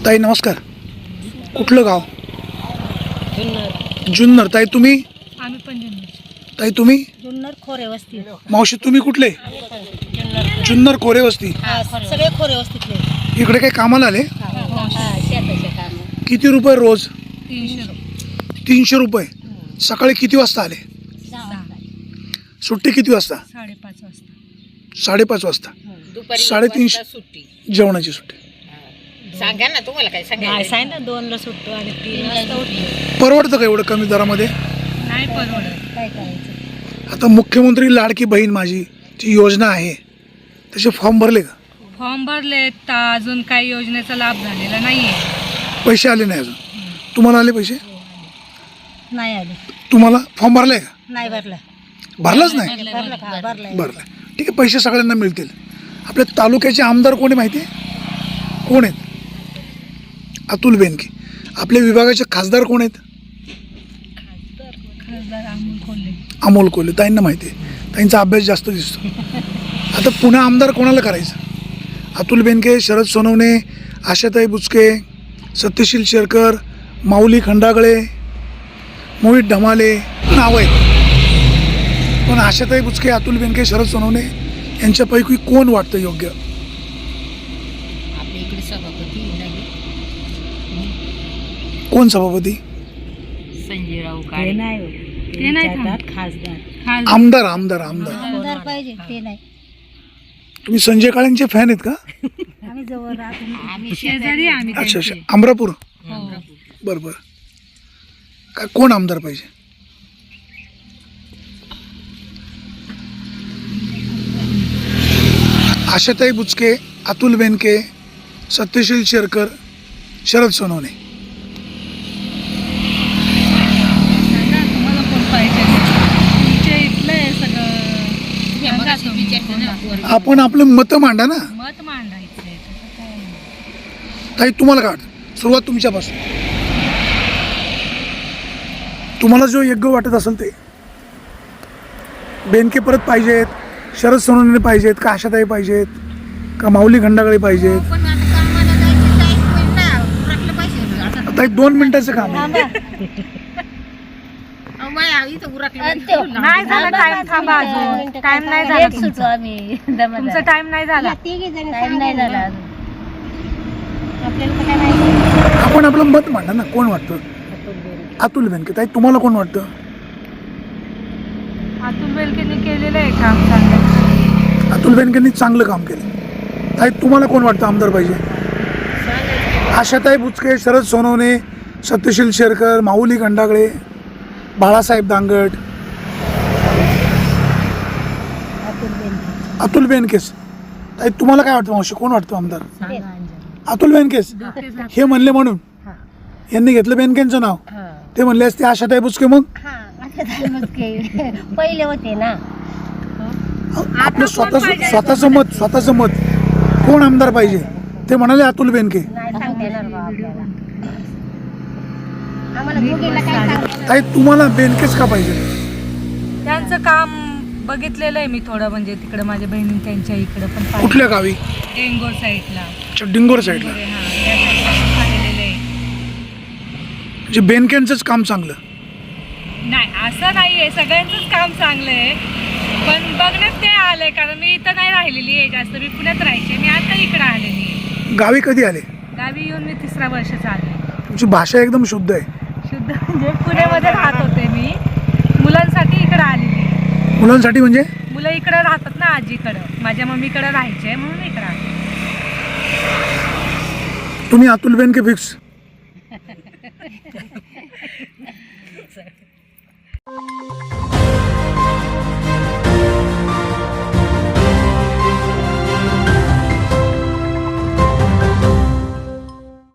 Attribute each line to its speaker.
Speaker 1: ताई नमस्कार. कुठलं गाव?
Speaker 2: जुन्नर.
Speaker 1: जुन्नर. ताई तुम्ही?
Speaker 2: आम्ही पण जुन्नर.
Speaker 1: ताई तुम्ही?
Speaker 2: जुन्नर खोरे वस्ती.
Speaker 1: मावशी तुम्ही कुठले? जुन्नर खोरे वस्ती.
Speaker 2: सगळे खोरे वस्तीतले.
Speaker 1: इकडे काही कामाला आले?
Speaker 2: शेताचे काम.
Speaker 1: किती रुपये रोज?
Speaker 2: 300.
Speaker 1: 300 रुपये. सकाळी किती वाजता आले?
Speaker 2: 6.
Speaker 1: सुट्टी किती वाजता?
Speaker 2: 5:30 वाजता.
Speaker 1: 5:30 वाजता.
Speaker 3: दुपारी
Speaker 1: 3:30
Speaker 3: सुट्टी.
Speaker 1: जेवणाची सुट्टी.
Speaker 3: सांगा ना तुम्हाला काय सांगा.
Speaker 2: नाही सांग ना 2ला सुटतो आणि 3 वाजता उठतो.
Speaker 1: परवडतं का एवढं कमी दरामध्ये?
Speaker 2: नाही परवडत. काय करायचं?
Speaker 1: आता मुख्यमंत्री लाडकी बहीण माझी जी योजना आहे त्याचे फॉर्म भरले का?
Speaker 2: फॉर्म भरले तर अजून काही योजनेचा लाभ झालेला नाहीये.
Speaker 1: पैसे आले नाही अजून. तुम्हाला आले पैसे?
Speaker 2: नाही आले.
Speaker 1: तुम्हाला फॉर्म भरलाय का?
Speaker 2: नाही भरला.
Speaker 1: भरलाच नाही?
Speaker 2: भरलाय.
Speaker 1: भरला. ठीक आहे, पैसे सगळ्यांना मिळतील. आपल्या तालुक्याचे आमदार कोणी माहिती आहे? कोण आहेत? अतुल बेनके. आपल्या विभागाचे खासदार कोण आहेत?
Speaker 2: खासदार अमोल कोल्हे.
Speaker 1: अमोल कोल्हे. ताईंना माहिती आहे. ताईंचा अभ्यास जास्त दिसतो. आता पुन्हा आमदार कोणाला करायचं? अतुल बेनके, शरद सोनवणे, आशाताई बुचके, सत्यशील शेरकर, माऊली खंडागळे, मोहित ढमाले नावं आहेत. पण आशाताई बुचके, अतुल बेनके, शरद सोनवणे यांच्यापैकी कोण वाटतं योग्य?
Speaker 3: आपल्या इकडे सभापती
Speaker 1: कोण सभापती?
Speaker 3: संजय राव
Speaker 2: ते
Speaker 3: काळे.
Speaker 2: नाही खासदार.
Speaker 1: आमदार आमदार आमदार
Speaker 2: आमदार पाहिजे ते नाही.
Speaker 1: तुम्ही संजय काळेंचे फॅन आहेत का?
Speaker 2: आम्ही जवळ राहतो.
Speaker 3: आम्ही
Speaker 2: शेजारी आम्ही
Speaker 1: अच्छा अच्छा. अमरापूर. बरं बरं. काय कोण आमदार पाहिजे? आशाताई बुचके, अतुल बेनके, सत्यशील शेरकर, शरद सोनवणे.
Speaker 2: तुम्हाला कोण पाहिजे? तुमच्या इथलं आहे सगळं.
Speaker 1: आपण आपलं मतं मांडा ना.
Speaker 2: मत मांडायचं आहे. तसं काय नाही.
Speaker 1: ताई तुम्हाला काय वाटतं? सुरुवात तुमच्यापासून. तुम्हाला जो योग्य वाटत असेल ते. बेनके परत पाहिजेत, शरद सोनवणे पाहिजेत का आशाताई पाहिजेत का माऊली खंडागळे पाहिजेत?
Speaker 3: पण आता कामाला जायचं टाइम होईल ना. उरकलं पाहिजे आता.
Speaker 1: आता 2 मिनिटाचं काम आहे.
Speaker 3: अहो, माया, इथं उरकलं
Speaker 2: नाही झाला टाइम. थांबा अजून. टाइम नाही झाला तुमचा. तुमचा टाइम नाही झाला. टाइम नाही झाला अजून. आपल्याला काय माहिती.
Speaker 1: आपण आपलं मत मांडा ना. कोण वाटतं? अतुल बेनके. ताई तुम्हाला कोण वाटतं?
Speaker 2: अतुल बेनकेंनी केलेलं आहे काम चांगलं.
Speaker 1: अतुल बेनकेंनी चांगलं काम केलं. ताई तुम्हाला कोण वाटतं आमदार पाहिजे? आशाताई बुचके, शरद सोनवणे, सत्यशील शेरकर, माऊली खंडागळे, बाळासाहेब दांगट, अतुल बेनकेस. ताई तुम्हाला काय वाटतं मावशी? कोण वाटतं आमदार? अतुल बेनकेस. हे म्हणले म्हणून यांनी घेतलं बेनकेंचं नाव. ते म्हणले असते आशाताई बुचके. मग
Speaker 2: पहिले होते ना.
Speaker 1: आपलं स्वतःचं मत कोण आमदार पाहिजे ते म्हणाले अतुल बेनके. ताई तुम्हाला बेनकेच का पाहिजे?
Speaker 2: त्यांचं काम बघितलेलं आहे मी थोडं. म्हणजे तिकडं माझ्या बहिणी त्यांच्या इकडं पण पाहिलं.
Speaker 1: कुठल्या गावी?
Speaker 2: टेंगोर साईडला.
Speaker 1: डिंगोर साईडला. म्हणजे बेनकेंचंच काम चांगलं
Speaker 2: नाही असं नाही आहे. सगळ्यांचंच काम चांगलं आहे. पण बघण्यात ते आलंय कारण मी इथं नाही राहिलेली आहे जास्त. मी पुण्यात राहायचे. मी आता इकडं आलेली आहे.
Speaker 1: गावी कधी आले?
Speaker 2: गावी येऊन मी 3रा वर्ष चालले.
Speaker 1: तुमची भाषा एकदम शुद्ध आहे.
Speaker 2: शुद्ध म्हणजे पुण्यामध्ये राहत होते मी. मुलांसाठी इकडं आलेली आहे.
Speaker 1: मुलांसाठी म्हणजे?
Speaker 2: मुलं इकडं राहतात ना आजीकडं. माझ्या मम्मीकडं राहायचे म्हणून इकडं आले.
Speaker 1: तुम्ही अतुल बेनके फिक्स.